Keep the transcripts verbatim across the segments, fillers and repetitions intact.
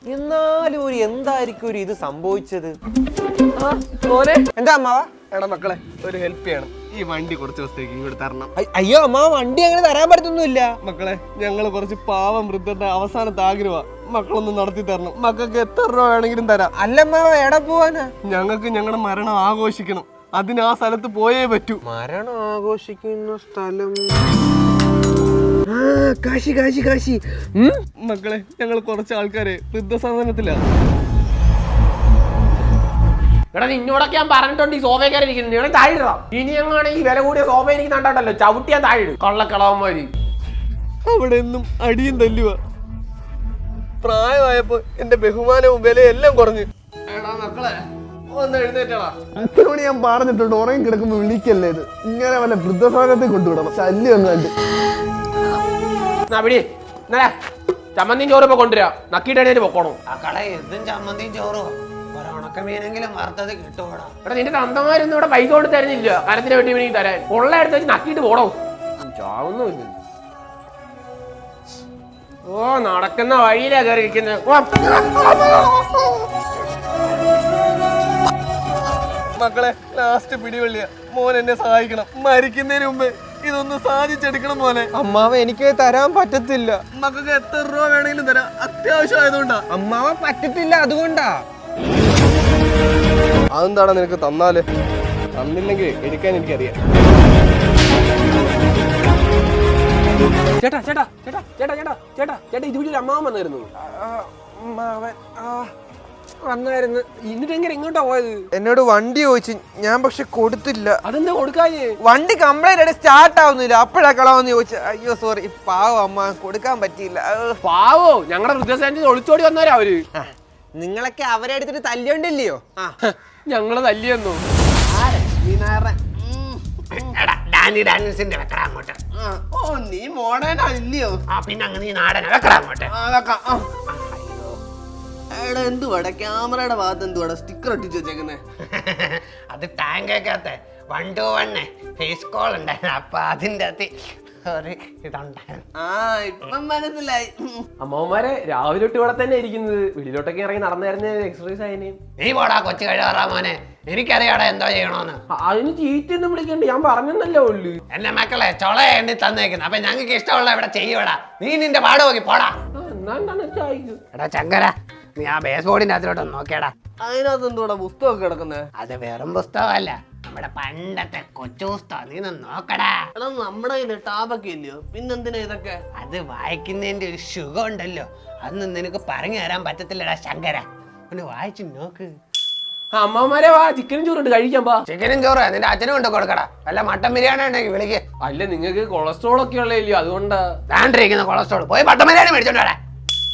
എന്നാലും ഒരു എന്തായിരിക്കും ഒരു ഇത് സംഭവിച്ചത്? എന്താ അമ്മാവ? എടാ മക്കളെ, ഒരു ഹെൽപ്പ് ചെയ്യണം. ഈ വണ്ടി കുറച്ച് ദിവസത്തേക്ക് ഇങ്ങോട്ട് തരണം. അയ്യോ അമ്മാവ, വണ്ടി അങ്ങനെ തരാൻ പറ്റത്തൊന്നുമില്ല. മക്കളെ, ഞങ്ങള് കുറച്ച് പാവം വൃദ്ധന്റെ അവസാനത്തെ ആഗ്രഹമാ. മക്കളൊന്ന് നടത്തി തരണം. മക്കൾക്ക് എത്ര രൂപ വേണമെങ്കിലും തരാം. അല്ല അമ്മാവ, എവിടെ പോവാനാ? ഞങ്ങൾക്ക് ഞങ്ങളുടെ മരണം ആഘോഷിക്കണം. അതിന് ആ സ്ഥലത്ത് പോയേ പറ്റൂ. മരണം ആഘോഷിക്കുന്ന സ്ഥലം? കാശി കാശി കാശി. മക്കളെ, ഞങ്ങൾ കുറച്ച് ആൾക്കാരെ വൃദ്ധസദനത്തിലാണ്. എടാ നിന്നോടൊക്കെ ഞാൻ പറഞ്ഞിട്ടുണ്ട് ഈ സോഫയിൽ ഇരിക്കുന്നത്. നിങ്ങൾ താഴെ ഇനി എങ്ങാണ് ഈ വില കൂടിയ സോഫ എനിക്ക് കണ്ടോ ചവിട്ടിയാ താഴെ കള്ളക്കളവന്മാര്. അവിടെ എന്നും അടിയും തല്ലുക. പ്രായമായപ്പോ എന്റെ ബഹുമാനവും വിലയും എല്ലാം കുറഞ്ഞു. എടാ മക്കളെ, ഒന്ന് എഴുന്നേറ്റാ. അച്ഛനോട് ഞാൻ പറഞ്ഞിട്ടുണ്ട്, ഉറങ്ങി കിടക്കുമ്പോ വിളിക്കല്ലേ ഇത്. ഇങ്ങനെ വല്ല വൃദ്ധസാധനത്തിൽ കൊണ്ടുവിടണം. ശല്യം ഒന്നും കണ്ട് ചമ്മന്തിയും ചോറും ഇപ്പൊ കൊണ്ടുവരാ. നക്കിയിട്ട് പൊക്കോണം. ആ കടയിൽ എന്തും ചമ്മന്തിയും ചോറും ഉണക്കമീനെങ്കിലും വറുത്തത് കിട്ടുകൂടാ. എടാ നിന്റെ തന്തമാരൊന്നും ഇവിടെ പൈസ കൊണ്ട് തരുന്നില്ല. കരത്തിന് വേണ്ടി വേണമെങ്കിൽ തരാൻ. ഉള്ള എടുത്ത് വെച്ച് നക്കിയിട്ട് പോടോ. ചാവുന്നില്ല. ഓ നടക്കുന്ന വഴിയിലാ കയറി ഇരിക്കുന്നത്. മക്കളെ, ലാസ്റ്റ് പിടിവള്ളിയ. മോൻ എന്നെ സഹായിക്കണം. മരിക്കുന്നതിന് മുമ്പ് ഇതൊന്ന് സാധിച്ചെടുക്കണം മോനെ. അമ്മാവ, എനിക്ക് തരാൻ പറ്റത്തില്ല. മക്കൾക്ക് എത്ര രൂപ വേണമെങ്കിലും തരാം. അത്യാവശ്യം ആയതുകൊണ്ടാ. അമ്മാവ പറ്റത്തില്ല, അതുകൊണ്ടാ. അതെന്താടാ നിനക്ക് തന്നാല്? തന്നില്ലെങ്കിൽ എടുക്കാൻ എനിക്കറിയാം. ചേട്ടാ ചേട്ടാ ചേട്ടാ ചേട്ടാ ചേട്ടാ ചേട്ടാ ചേട്ടാ ഇത് വീട്ടിൽ അമ്മാവൻ വന്നായിരുന്നു. അമ്മാവൻ വന്നായിരുന്നു. എന്നിട്ട് എങ്ങനെ ഇങ്ങോട്ടാ പോയത്? എന്നോട് വണ്ടി ചോദിച്ചു, ഞാൻ പക്ഷെ കൊടുത്തില്ല. അതെന്താ കൊടുക്കാഞ്ഞേ? വണ്ടി കംപ്ലൈന്റ് ആയിട്ട് സ്റ്റാർട്ട് ആവുന്നില്ല. അപ്പോഴാ കളവെന്ന് ചോദിച്ചു. അയ്യോ സോറി, പാവം അമ്മ, കൊടുക്കാൻ പറ്റിയില്ല. പാവോ, ഞങ്ങളുടെ വൃദ്ധസദനത്തിൽ ഒളിച്ചോടി വന്നവരാ അവര്. നിങ്ങളൊക്കെ അവരെ എടുത്തിട്ട് തല്ലിയോണ്ടില്ലയോ? ഞങ്ങള് തല്ലിയെന്നു. അങ്ങോട്ട്. ഓ, നീ മോഡേനാ ഇല്ലയോ? ആ പിന്നെ അങ്ങ് നീ നാടന വെക്കടാ അങ്ങോട്ട്. എടാ എന്തുവാടാ ക്യാമറയുടെ ഭാഗത്ത് എന്തുവാടാ സ്റ്റിക്കർ ഒട്ടിച്ച് വെച്ചേക്കുന്നേ? അത് ടാങ്കക്കകത്ത് one two one phase call ഉണ്ടായിരുന്നു. അപ്പൊ അതിന്റെ അകത്ത് ഒരു ഇതുണ്ടായിരുന്നു. ആ, ഇപ്പം മനസ്സിലായി. അമ്മമാരെ രാവിലെ തൊട്ട് ഇവിടെ തന്നെ ഇരിക്കുന്നത്. വെളിയിലോട്ടൊക്കെ ഇറങ്ങി നടന്നായിരുന്ന എക്സർസൈസ് ആയതിന്. നീ പോടാ കൊച്ചു കഴിവാറാ മോനെ. എനിക്കറിയാടാ എന്തോ ചെയ്യണോന്ന്. അതിന് ചീറ്റൊന്നും വിളിക്കണ്ട, ഞാൻ പറഞ്ഞെന്നല്ലേ ഉള്ളു. എന്റെ മക്കളെ ചൊള എണ്ണി തന്നേക്കുന്നു. അപ്പൊ ഞങ്ങൾക്ക് ഇഷ്ടമുള്ള ഇവിടെ ചെയ്യൂടാ. നീ നിന്റെ പാട് നോക്കി പോടാ. എടാ ചങ്കര, നീ ആ ബേസ് ബോർഡിന്റെ അതിലോട്ടൊന്ന് നോക്കിയടാ. അതിനകത്ത് എന്തുവാടാ പുസ്തകമൊക്കെ കിടക്കുന്നത്? അത് വെറും പുസ്തകമല്ല, നമ്മുടെ പണ്ടത്തെ കൊച്ചു പുസ്തകം. നീ ഒന്ന് നോക്കടാ. എടാ നമ്മുടെ കയ്യില് ടാബൊക്കെ ഇല്ലയോ? പിന്നെന്തിനാ ഇതൊക്കെ? അത് വായിക്കുന്നതിന്റെ ഒരു സുഖം ഉണ്ടല്ലോ, അതൊന്നും നിനക്ക് പറഞ്ഞു തരാൻ പറ്റത്തില്ലടാ ശങ്കര. ഒന്ന് വായിച്ചു നോക്ക്. അമ്മമാരെ വാ, ചിക്കനും ചോറുണ്ട് കഴിക്കാൻ പാ. ചിക്കനും ചോറ് നിന്റെ അച്ഛനും കൊണ്ട് കൊടുക്കടാ. വല്ല മട്ടൻ ബിരിയാണി ഉണ്ടെങ്കിൽ വിളിക്ക്. അല്ല നിങ്ങൾക്ക് കൊളസ്ട്രോൾ ഒക്കെ ഉള്ളല്ലോ, അതുകൊണ്ടാ. താണ്ടിരിക്കുന്ന കൊളസ്ട്രോൾ പോയി മട്ടൻ ബിരിയാണി മേടിച്ചോണ്ട് വരാ.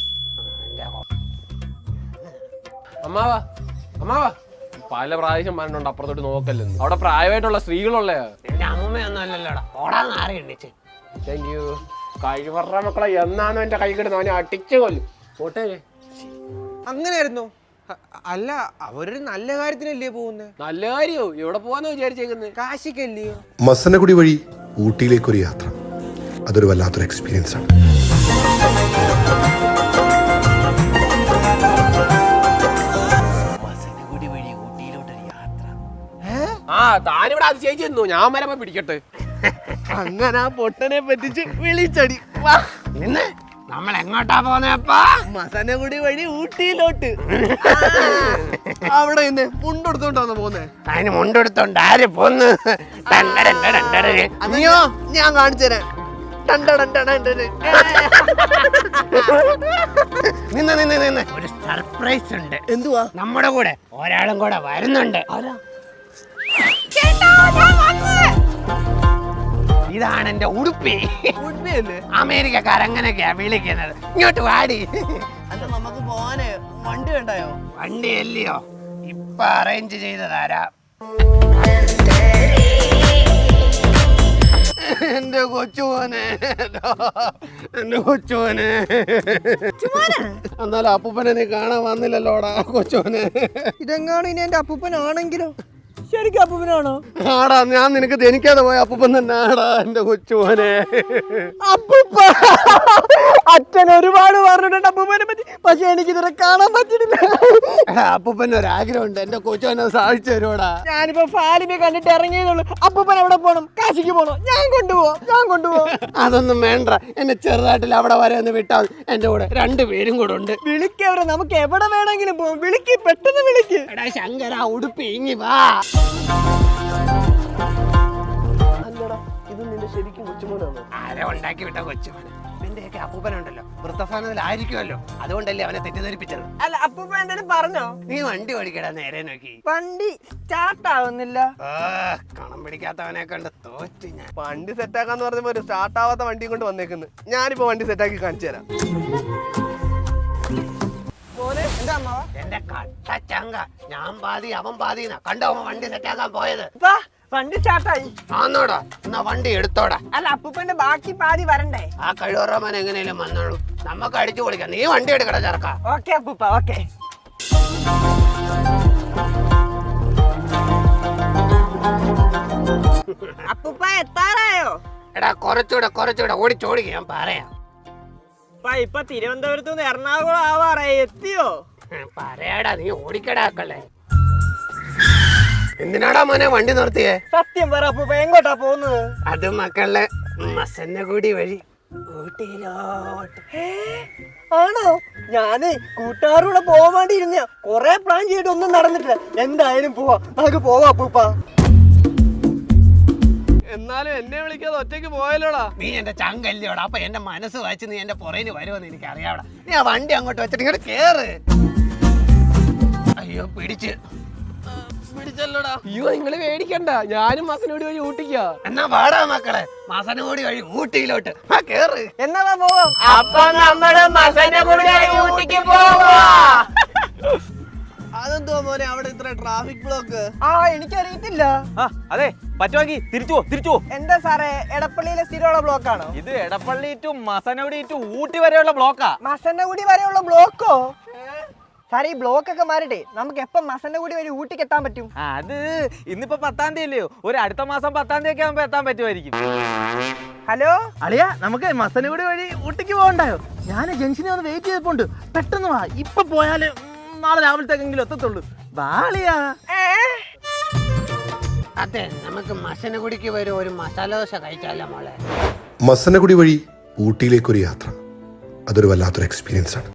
അമ്മാവാ അമ്മാവാ പല പ്രാവശ്യം പറഞ്ഞിട്ടുണ്ട് അപ്പുറത്തോട്ട് നോക്കല്ലെന്ന്. അവിടെ പ്രായമായിട്ടുള്ള സ്ത്രീകളുള്ള. നിന്റെ അമ്മയൊന്നും അല്ലല്ലോടാ, ഓടാന്ന് ആറി എണ്ണിച്ച്. Thank you. കഴിവറ മക്കളെ എന്നാന്ന് എന്റെ കൈ കിടന്നു അവനെ അടിച്ചു കൊല്ലും. പോട്ടെ. അങ്ങനെയായിരുന്നു. അല്ല, അവരൊരു നല്ല കാര്യത്തിനല്ലേ പോകുന്നത്? നല്ല കാര്യോ? എവിടെ പോവാന്ന് വിചാരിച്ചേക്കുന്നത്? കാശിക്കല്ലയോ? മസനഗുഡി വഴി ഊട്ടിയിലേക്കൊരു യാത്ര, അതൊരു വല്ലാത്തൊരു എക്സ്പീരിയൻസ് ആണ്. ആ താനിവിടെ അത് ചേച്ചിരുന്നു, ഞാൻ വരെ പിടിക്കട്ടെ. അങ്ങനെ ആ പൊട്ടനെ പറ്റിച്ച് വിളിച്ചടി. നിന്ന് നമ്മൾ എങ്ങോട്ടാ പോന്നേപ്പാ? മസനഗുഡി വഴി ഊട്ടിയിലോട്ട്. അവിടെ നിന്ന് മുണ്ടെടുത്തോണ്ടാന്ന് പോന്നേ. അതിന് മുണ്ടെടുത്തോണ്ട് ആര് പോന്ന്? അയ്യോ, ഞാൻ കാണിച്ചു തരാം. നിന്ന് നിന്ന് നിന്ന് ഒരു സർപ്രൈസ് ഉണ്ട്. എന്തുവാ? നമ്മുടെ കൂടെ ഒരാളും കൂടെ വരുന്നുണ്ട്. ഇതാണ് എന്റെ ഉടുപ്പി. അമേരിക്കക്കാർ അങ്ങനെയൊക്കെയാ വിളിക്കുന്നത്. ഇങ്ങോട്ട് വാടി. അല്ല, നമുക്ക് പോവാനേ വണ്ടി വേണ്ടായോ? വണ്ടി അല്ലയോ, ഇപ്പൊ അറേഞ്ച് ചെയ്തതാരാ? എന്റെ കൊച്ചുമോനെ, എന്റെ കൊച്ചുമോനെ. എന്നാലും അപ്പൂപ്പനെ നീ കാണാൻ വന്നില്ലല്ലോടാ കൊച്ചുമോനെ. ഇതെങ്ങാണ് ഇനി എന്റെ അപ്പൂപ്പനാണെങ്കിലോ? ശരിക്കും അപ്പൂപ്പനാണോ? ആടാ, ഞാൻ നിനക്ക് ജനിക്കാതെ പോയ അപ്പൂപ്പൻ തന്നെ ആടാ എന്റെ കൊച്ചുമോനെ. അപ്പൂപ്പ അച്ഛൻ ഒരുപാട് പറഞ്ഞിട്ടുണ്ട് അപ്പൂപ്പനെ പറ്റി, പക്ഷെ എനിക്ക് ഇതുവരെ കാണാൻ പറ്റിയിട്ടില്ല. അപ്പൂപ്പന് ഒരു ആഗ്രഹമുണ്ട്, എന്റെ കൊച്ചുവനെ സാധിച്ചു തരുവാടാ. ഞാനിപ്പോ ഫാലിമെ കണ്ടിട്ട് ഇറങ്ങിയതുള്ളൂ. അപ്പൂപ്പൻ എവിടെ പോണം? കാശിക്ക് പോണോ? ഞാൻ കൊണ്ടുപോവാം, ഞാൻ കൊണ്ടുപോവാം. അതൊന്നും വേണ്ട, എന്നെ ചെറുതായിട്ടില്ല അവിടെ വരെ ഒന്ന് വിട്ടാൽ എന്റെ കൂടെ രണ്ടുപേരും കൂടെ ഉണ്ട്. വിളിക്കവരെ, നമുക്ക് എവിടെ വേണമെങ്കിലും പോവാം. വിളിക്ക്, പെട്ടെന്ന് വിളിക്ക്. എടാ ശങ്കര, ഉടുപ്പി ഇങ്ങി വാ. അല്ലടാ, ഇത് നിന്റെ ശരിക്കും കൊച്ചുമോനാണോ? ആരെ ഉണ്ടാക്കി വിട്ട കൊച്ചുമോനെ? എന്റെയൊക്കെ അപ്പൂപ്പനുണ്ടല്ലോ വൃത്തസ്ഥാനത്തിലായിരിക്കുമല്ലോ, അതുകൊണ്ടല്ലേ അവനെ തെറ്റിദ്ധരിപ്പിച്ചത്. അല്ല, അപ്പൂപ്പ എന്തെങ്കിലും പറഞ്ഞോ? നീ വണ്ടി ഓടിക്കടാ, നേരെ നോക്കി. വണ്ടി സ്റ്റാർട്ട് ആവുന്നില്ല. ആ, കണം പിടിക്കാത്തവനെ കണ്ട് തോറ്റ് ഞാൻ. വണ്ടി സെറ്റാക്കാന്ന് പറഞ്ഞപ്പോ ഒരു സ്റ്റാർട്ട് ആവാത്ത വണ്ടിയും കൊണ്ട് വന്നേക്കുന്നു. ഞാനിപ്പോ വണ്ടി സെറ്റാക്കി കാണിച്ചു തരാം. മോനെ, എന്താ അമ്മാവ? എന്റെ കട്ട ചങ്ക, ഞാൻ പാതി അവൻ പാതി കണ്ടോ അവൻ വണ്ടി സെറ്റാക്കാൻ പോയത്. ഇപ്പാ, വണ്ടി സ്റ്റാർട്ടായി. ആന്നോടാ, എന്നാ വണ്ടി എടുത്തോടാ. അല്ല, അപ്പൂപ്പന്റെ ബാക്കി പാതി വരണ്ടേ? ആ കഴിവറമാൻ എങ്ങനെയും വന്നോളൂ, നമുക്ക് അടിച്ചു പൊളിക്കാം. നീ വണ്ടി എടുക്കടാ ചെറുക്ക. ഓക്കെ അപ്പൂപ്പ, ഓക്കെ. അപ്പൂപ്പ എത്താറായോ? എടാ കുറച്ചുകൂടെ കുറച്ചുകൂടെ ഓടിച്ചോടിക്കുക, ഞാൻ പറയാം. ഇപ്പൊ തിരുവനന്തപുരത്ത് നിന്ന് എറണാകുളം ആവാറായി. എത്തിയോ? പറയാടാ, നീ ഓടിക്കടാക്കളെ. എന്തിനാടാ മോനെ വണ്ടി നിർത്തിയേ? സത്യം പറ അപ്പൂപ്പ, എങ്ങോട്ടാ പോകുന്നത്? അത് മക്കളെ മസന്നഗുടി വഴി ഊട്ടിയിലോട്ട്. ആണോ? ഞാന് കൂട്ടുകാരുടെ പോവാൻ വേണ്ടി ഇരുന്ന കൊറേ പ്ലാൻ ചെയ്തിട്ട് ഒന്നും നടന്നിട്ടില്ല. എന്തായാലും പോവാ, നമുക്ക് പോവാ അപ്പൂപ്പ. എന്നാലും എന്നെ വിളിക്കാതെ ഒറ്റയ്ക്ക് പോയാലോടാ. നീ എന്റെ ചങ്കല്ലോടാ, അപ്പൊ എന്റെ മനസ്സ് വായിച്ച് നീ എന്റെ പുറകിന് വരുമെന്ന് എനിക്ക് അറിയാവടാ. നീ ആ വണ്ടി അങ്ങോട്ട് വെച്ചിട്ട് ഇങ്ങോട്ട് കേറ്. അയ്യോ പിടിച്ച് പിടിച്ചല്ലോടാ. അയ്യോ നിങ്ങള് പേടിക്കണ്ട, ഞാനും മസനോടി വഴി ഊട്ടിക്കാ. എന്നാ പാടാ മക്കളെ, മസനഗുടി വഴി ഊട്ടിയിലോട്ട്. ആ കേറ്. എന്നാ വാ, പോവാം. അപ്പൊ നമ്മള് മസനഗുടി വഴി ഊട്ടിക്ക് പോവാ. അതെന്തോ മോനെ അവിടെ ഇത്ര ട്രാഫിക് ബ്ലോക്ക്? ആ, എനിക്കറിയത്തില്ല. അതെ, പറ്റുമെങ്കിൽ തിരിച്ചു പോ, തിരിച്ചു പോ. എന്താ സാറേ, എടപ്പള്ളിയിലെ സ്ഥിരമുള്ള ബ്ലോക്ക് ആണോ? ഇത് എടപ്പള്ളി ടു മസനഗുഡി ടു ഊട്ടി വരെയുള്ള ബ്ലോക്കാ. മസന്നഗുടി വരെയുള്ള ബ്ലോക്കോ? സാറേ, ഈ ബ്ലോക്ക് ഒക്കെ മാറിട്ടെ നമുക്ക് എപ്പം മസന്നഗുടി വഴി ഊട്ടിക്ക് എത്താൻ പറ്റും? അത് ഇന്നിപ്പോ പത്താം തീയതി അല്ലയോ, ഒരു അടുത്ത മാസം പത്താം തീയതി ഒക്കെ ആകുമ്പോ എത്താൻ പറ്റുമായിരിക്കും. ഹലോ അളിയ, നമുക്ക് മസനഗുടി വഴി ഊട്ടിക്ക് പോകണ്ടായോ? ഞാൻ ജംഗ്ഷനിൽ വന്ന് വെയിറ്റ് ചെയ്തിട്ടുണ്ട്. പെട്ടെന്ന് വാ, ഇപ്പൊ പോയാല് നാളെ രാവിലത്തേക്കെങ്കിലും എത്തത്തുള്ളൂ. ബാളിയാ. അതെ, നമുക്ക് മസനഗുടിക്ക് വരും ഒരു മസാല ദോശ കഴിച്ചാലോ മോളെ? മസനഗുഡി വഴി ഊട്ടിയിലേക്കൊരു യാത്ര, അതൊരു വല്ലാത്തൊരു എക്സ്പീരിയൻസ് ആണ്.